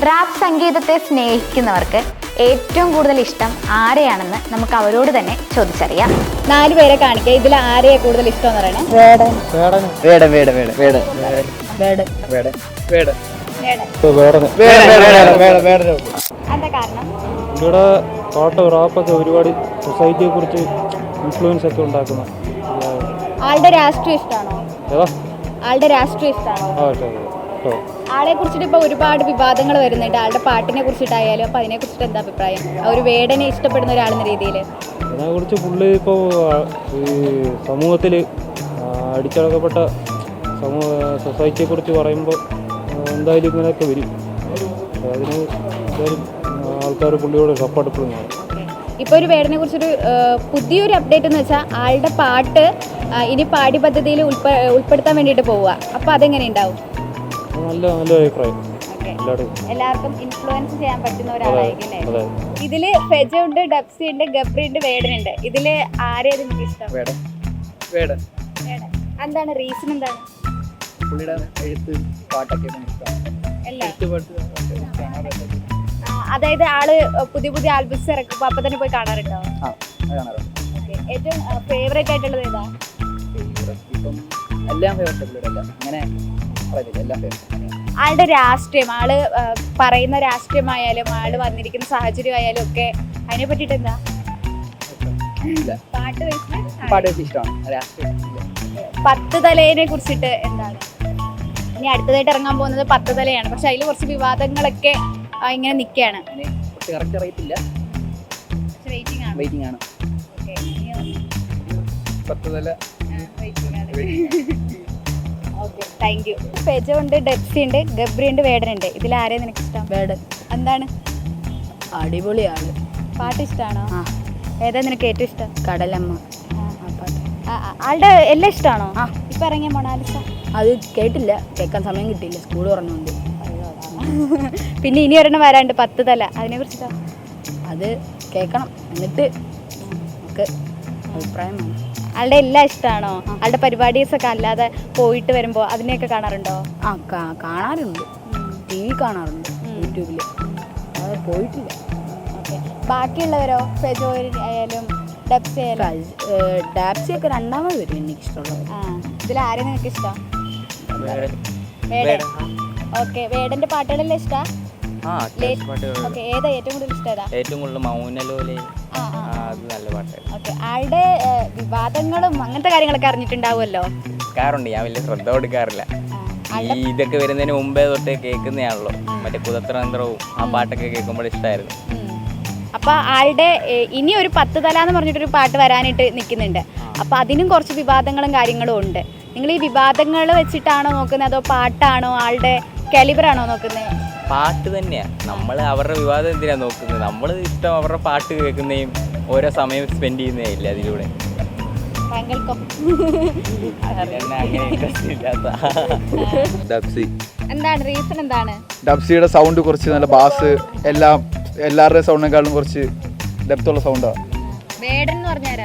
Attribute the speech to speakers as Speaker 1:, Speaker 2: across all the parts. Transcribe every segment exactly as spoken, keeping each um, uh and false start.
Speaker 1: Rap സംഗീതത്തെ സ്നേഹിക്കുന്നവർക്ക് ഏറ്റവും കൂടുതൽ ഇഷ്ടം ആരെയാണെന്ന് നമുക്ക് അവരോട് തന്നെ ചോദിച്ചറിയാം. നാല് പേരെ കാണിക്കുക. ഇതിൽ ആരെയാ കൂടുതൽ ഇഷ്ടം എന്ന് പറയണേ? വേടൻ.
Speaker 2: വേടൻ വേടൻ വേടൻ വേടൻ
Speaker 1: വേടൻ.
Speaker 2: വേടൻ വേടൻ
Speaker 1: എന്താ കാരണം?
Speaker 3: ഇവിടെ പാട്ട് റാപ്പൊക്കെ ഒരുപാട് സൊസൈറ്റിയെ കുറിച്ച് ഇൻഫ്ലുവൻസ് ഒക്കെ ഉണ്ടാക്കുന്ന
Speaker 1: ആളുടെ രാഷ്ട്രീയം ഇഷ്ടമാണോ?
Speaker 3: ഏതാ
Speaker 1: ആളുടെ രാഷ്ട്രീയം ഇഷ്ടമാണോ?
Speaker 3: ആ കേട്ടോ
Speaker 1: ആളെ കുറിച്ചിട്ട് ഇപ്പോൾ ഒരുപാട് വിവാദങ്ങൾ വരുന്നുണ്ട്. ആളുടെ പാട്ടിനെ കുറിച്ചിട്ടായാലും അപ്പോൾ അതിനെ കുറിച്ചിട്ട് എന്താ അഭിപ്രായം? ഒരു വേടനെ ഇഷ്ടപ്പെടുന്ന ഒരാളെന്ന രീതിയിൽ
Speaker 3: അതിനെക്കുറിച്ച് പുള്ളി ഇപ്പോൾ ഈ സമൂഹത്തിൽ അടിച്ചടക്കപ്പെട്ട സമൂഹ സൊസൈറ്റിയെക്കുറിച്ച് പറയുമ്പോൾ എന്തായാലും ഇങ്ങനെയൊക്കെ വരും. അതിന് എന്തായാലും ആൾക്കാർ പുള്ളിയോട് സപ്പോർട്ട് എപ്പോഴും കാണും.
Speaker 1: ഇപ്പോൾ ഒരു വേടനെ കുറിച്ചൊരു പുതിയൊരു അപ്ഡേറ്റ് എന്ന് വെച്ചാൽ ആളുടെ പാട്ട് ഇനി പാഠ്യ പദ്ധതിയിൽ ഉൾപ്പെ ഉൾപ്പെടുത്താൻ വേണ്ടിയിട്ട് പോവുക. അപ്പോൾ അതെങ്ങനെ ഉണ്ടാവും?
Speaker 3: നല്ല നല്ല അഭിപ്രായം.
Speaker 1: എല്ലാവർക്കും ഇൻഫ്ലുവൻസ് ചെയ്യാൻ പറ്റുന്ന ഒരാളായിരിക്കും അല്ലേ? ഇതില് ഫെജ ഉണ്ട്, ഡബ്സി ഉണ്ട്, ഗബ്രി ഉണ്ട്, വേടൻ ഉണ്ട്. ഇതില് ആരെയാ നിങ്ങൾക്ക് ഇഷ്ടം?
Speaker 2: വേടൻ വേടൻ
Speaker 1: വേടൻ. എന്താണ് റീസൺ? എന്താണ്?
Speaker 2: പുള്ളിയുടെ എഴുത്ത് പാട്ടൊക്കെ
Speaker 1: എല്ലാം. അതായത് ആള് പുതിയ പുതിയ ആൽബംസ് ഇറക്കുമ്പോൾ അപ്പൊ തന്നെ പോയി കാണാറുണ്ടോ? ഏറ്റവും ഫേവറേറ്റ് ആയിട്ടുള്ളത് ഏതാ?
Speaker 2: ഇപ്പം എല്ലാം ഫേവറേറ്റ് അല്ല, അങ്ങനെ എല്ലാം ഫേവറേറ്റ്.
Speaker 1: ആളുടെ രാഷ്ട്രീയം, ആള് പറയുന്ന രാഷ്ട്രീയമായാലും ആള് വന്നിരിക്കുന്ന സാഹചര്യം ആയാലും ഒക്കെ അതിനെ പറ്റിട്ട് എന്താ? പാട്ട്
Speaker 2: പാട്ട് ഇഷ്ടമാണ്. രാഷ്ട്രീയം
Speaker 1: പത്ത് തലേനെ കുറിച്ചിട്ട് എന്താണ്? ഇനി അടുത്തതായിട്ട് ഇറങ്ങാൻ പോകുന്നത് പത്ത് തലയാണ്. പക്ഷെ അതിൽ കുറച്ച് വിവാദങ്ങളൊക്കെ ഇങ്ങനെ നിൽക്കുകയാണ്.
Speaker 2: കറക്റ്റ് അറിയത്തില്ല, വെയിറ്റിംഗ് ആണ്. പത്ത് തല
Speaker 1: ഓക്കെ, താങ്ക് യു. ഫെജ ഉണ്ട്, ഡെപ്സി ഉണ്ട്, ഗബ്രി ഉണ്ട്, വേടൻ ഉണ്ട്. ഇതിൽ ആരെയും നിനക്ക് ഇഷ്ടം?
Speaker 4: വേടൻ.
Speaker 1: എന്താണ്?
Speaker 4: അടിപൊളിയാണ്.
Speaker 1: പാട്ട് ഇഷ്ടമാണോ?
Speaker 4: ആ.
Speaker 1: ഏതാ നിനക്ക് ഏറ്റവും ഇഷ്ടം?
Speaker 4: കടലമ്മ.
Speaker 1: ആളുടെ എല്ലാം ഇഷ്ടമാണോ? ആ. ഇപ്പം ഇറങ്ങിയ മൊണാലിസ
Speaker 4: അത് കേട്ടില്ല, കേൾക്കാൻ സമയം കിട്ടിയില്ല, സ്കൂൾ പറഞ്ഞുകൊണ്ട്.
Speaker 1: പിന്നെ ഇനി ഒരെണ്ണം വരാണ്ട് പത്ത് തല, അതിനെ കുറിച്ചിട്ടാ?
Speaker 4: അത് കേൾക്കണം, എന്നിട്ട് നമുക്ക് അഭിപ്രായം വേണം.
Speaker 1: ആളുടെ എല്ലാം ഇഷ്ടമാണോ? ആളുടെ പരിപാടീസ് ഒക്കെ അല്ലാതെ പോയിട്ട് വരുമ്പോൾ അതിനെയൊക്കെ കാണാറുണ്ടോ?
Speaker 4: ആ കാണാറുണ്ട്, ടി വി കാണാറുണ്ട്, യൂട്യൂബിൽ. അത് പോയിട്ടില്ല.
Speaker 1: ഓക്കെ. ബാക്കിയുള്ളവരോ? ഫെജോ ആയാലും ഡബ്സി ആയാലും?
Speaker 4: ഡാപ്സി ഒക്കെ രണ്ടാമത് വരും എനിക്കിഷ്ടമുള്ളത്.
Speaker 1: ആ. ഇതിൽ ആരെയും നിങ്ങൾക്ക് ഇഷ്ടം? വേടൻ. ഓക്കെ. വേടന്റെ പാട്ടുകളെല്ലാം ഇഷ്ടം? ഓക്കെ. ഏതാ ഏറ്റവും കൂടുതൽ ഇഷ്ടം? ഏതാ
Speaker 5: ഏറ്റവും കൂടുതൽ? മൗനലോലെ. അത് നല്ല പാട്ടാണ്.
Speaker 1: ഓക്കെ. ആളുടെ വിവാദങ്ങളും അങ്ങനത്തെ കാര്യങ്ങളൊക്കെ അറിഞ്ഞിട്ടുണ്ടാവുമല്ലോ?
Speaker 5: കേൾക്കാറുണ്ട്, ഞാൻ വലിയ ശ്രദ്ധ കൊടുക്കാറില്ല. ഈ ഇതൊക്കെ വരുന്നതിന് മുമ്പേ തൊട്ടേ കേൾക്കുന്നതാണല്ലോ, മറ്റേ കുതന്ത്രവും ആ പാട്ടൊക്കെ കേൾക്കുമ്പോൾ ഇഷ്ടമായിരുന്നു.
Speaker 1: അപ്പോൾ ആളുടെ ഇനി ഒരു പത്ത് തല എന്ന് പറഞ്ഞിട്ടൊരു പാട്ട് വരാനായിട്ട് നിൽക്കുന്നുണ്ട്. അപ്പോൾ അതിനും കുറച്ച് വിവാദങ്ങളും കാര്യങ്ങളും ഉണ്ട്. നിങ്ങൾ ഈ വിവാദങ്ങൾ വെച്ചിട്ടാണോ നോക്കുന്നത്, അതോ പാട്ടാണോ, ആളുടെ കാലിബറാണോ നോക്കുന്നത്?
Speaker 5: പാട്ട് തന്നെയാണ്. നമ്മൾ അവരുടെ വിവാദം എന്തിനാണ് നോക്കുന്നത്? നമ്മൾ ഇഷ്ടം അവരുടെ പാട്ട് കേൾക്കുന്നതും ഓരോ സമയം സ്പെൻഡ് ചെയ്യുന്നതേ ഇല്ല അതിലൂടെ.
Speaker 1: എന്താണ് റീസൺ? എന്താണ്?
Speaker 6: ഡബ്സിയുടെ സൗണ്ട് കുറച്ച് നല്ല ബാസ്, എല്ലാം എല്ലാവരുടെയും സൗണ്ടിനെക്കാളും കുറച്ച് ഡെപ്തുള്ള സൗണ്ടാണ്.
Speaker 1: വേടൻ എന്ന് പറഞ്ഞാരാ?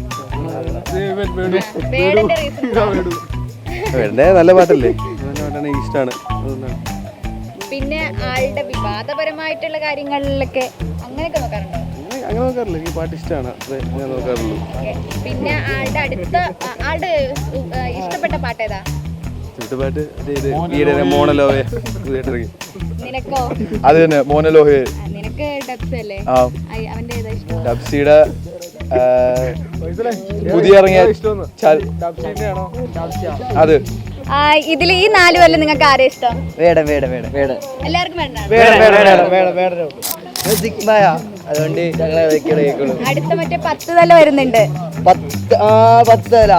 Speaker 6: നല്ല പാട്ടല്ലേ, ഇഷ്ടമാണ്.
Speaker 1: പിന്നെ ആളുടെ വിവാദപരമായിട്ടുള്ള കാര്യങ്ങളിലൊക്കെ അങ്ങനെയൊക്കെ നോക്കാറുണ്ടോ?
Speaker 6: അങ്ങനെ നോക്കാറില്ല, ഈ പാട്ട് ഇഷ്ടമാണ്, ഞാൻ നോക്കാറുള്ളൂ.
Speaker 1: പിന്നെ ആളുടെ അടുത്ത ആളുടെ ഇഷ്ടപ്പെട്ട പാട്ട് ഏതാ?
Speaker 6: പാട്ട് മോണലോഹേ.
Speaker 1: നിനക്കോ?
Speaker 6: അത് തന്നെ, മോണലോഹേ.
Speaker 1: നിനക്ക് ഡബ്സി അല്ലേ? അവന്റെ ഏതാ ഇഷ്ടം?
Speaker 6: ഡബ്സിയുടെ പുതിയ ഇറങ്ങിയ അത്.
Speaker 1: ഇതിൽ ഈ നാല് കൊല്ലം നിങ്ങൾക്ക് ആരെയും ഇഷ്ടം?
Speaker 2: വേടൻ വേടൻ വേടൻ വേടൻ
Speaker 1: എല്ലാവർക്കും
Speaker 2: അതുകൊണ്ട് ഞങ്ങളെ കേൾക്കുള്ളൂ.
Speaker 1: അടുത്ത മറ്റേ പത്ത് തല വരുന്നുണ്ട്.
Speaker 2: പത്ത് ആ പത്ത് തല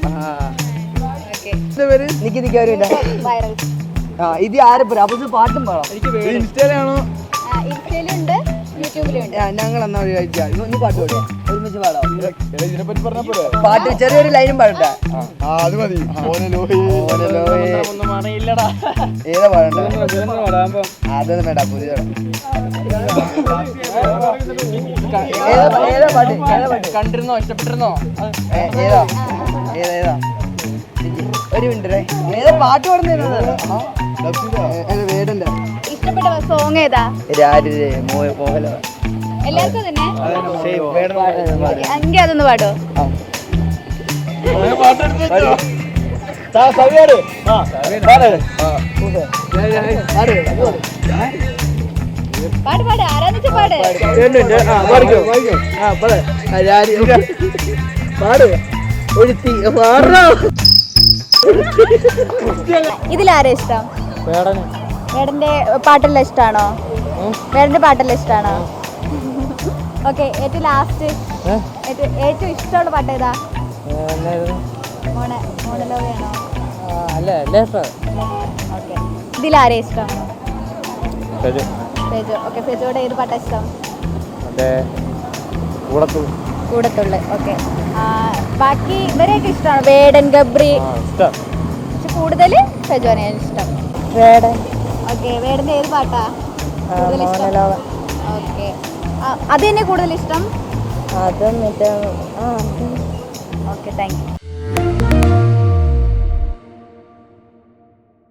Speaker 2: നിക്ക് നിൽക്കാറില്ല. ആ ഇത് ആരെപ്പോ അപ്പൊ പാട്ടും പാടാം.
Speaker 6: ഇൻസ്റ്റയിലാണോ?
Speaker 1: ഇൻസ്റ്റയിലുണ്ട്, യൂട്യൂബിലുണ്ട്.
Speaker 2: ഞങ്ങൾ എന്നാ കഴിച്ചാൽ നീ പാട്ട് പാടുക, ഒരുമിച്ച് പാടാം.
Speaker 6: ഇതിനെപ്പറ്റി പറഞ്ഞ
Speaker 2: പാട്ട് ചെറിയൊരു ലൈനും പാടട്ടെ.
Speaker 6: അത് മതി.
Speaker 2: ഏതാ പാടണ്ട? അതൊന്നും വേണ്ട, പുതിയ ഏതാ പാട്ട്? ഏതാ പാട്ട് കണ്ടിരുന്നോ, ഇഷ്ടപ്പെട്ടിരുന്നോ? ഏതാ ഏതാ ഏതാ ഒരു മിനിറ്റ്, ഏതാ പാട്ട് പാടുന്നത്? വേടന്റെ
Speaker 1: ഇഷ്ടപ്പെട്ട ആരുടെ സോങ് ഏതാ?
Speaker 2: രാരിരെ മോഹ മോഹൻലാൽ.
Speaker 1: എല്ലാവർക്കും തന്നെ
Speaker 2: പക്ഷേ വേണം
Speaker 1: എങ്കിൽ അതൊന്ന് പാടോ? പാട് പാട് ആരാന്ന് വെച്ചാ പാട്. ഇതിലാരാ ഇഷ്ടം?
Speaker 3: വേടന്
Speaker 1: വേടന്റെ പാട്ടെല്ലാം ഇഷ്ടമാണോ? വേടന്റെ പാട്ടെല്ലാം ഇഷ്ടമാണോ? ഓക്കെ, ഏറ്റവും ലാസ്റ്റ് ഏറ്റവും ഇഷ്ടമുള്ള പാട്ട് ഏതാ? മോണ മോണലോയാണോ?
Speaker 3: അല്ല അല്ലേ ഇഷ്ടം.
Speaker 1: ഓക്കെ, ഇതിലാരാ ഇഷ്ടം?
Speaker 3: ഫെജു
Speaker 1: ഫെജു. ഓക്കെ, ഫെജുവിടെ ഏത് പാട്ടാ ഇഷ്ടം?
Speaker 3: മറ്റേ കൂടത്തുള്ളൂ.
Speaker 1: കൂടത്തുള്ളു. ഓക്കെ, ബാക്കി ഇവരെയൊക്കെ ഇഷ്ടമാണ്? വേടൻ, ഗബ്രി.
Speaker 3: ഇഷ്ടം.
Speaker 1: പക്ഷെ കൂടുതൽ ഫെജുവിനെയാണ് ഇഷ്ടം.
Speaker 4: വേടൻ.
Speaker 1: ഓക്കെ, വേടന്റെ ഏത് പാട്ടാ കൂടുതൽ ഇഷ്ടം? ഓക്കെ, അത് തന്നെ കൂടുതൽ ഇഷ്ടം?
Speaker 4: അതും മറ്റേ ആ
Speaker 1: ഓക്കെ, താങ്ക് യു.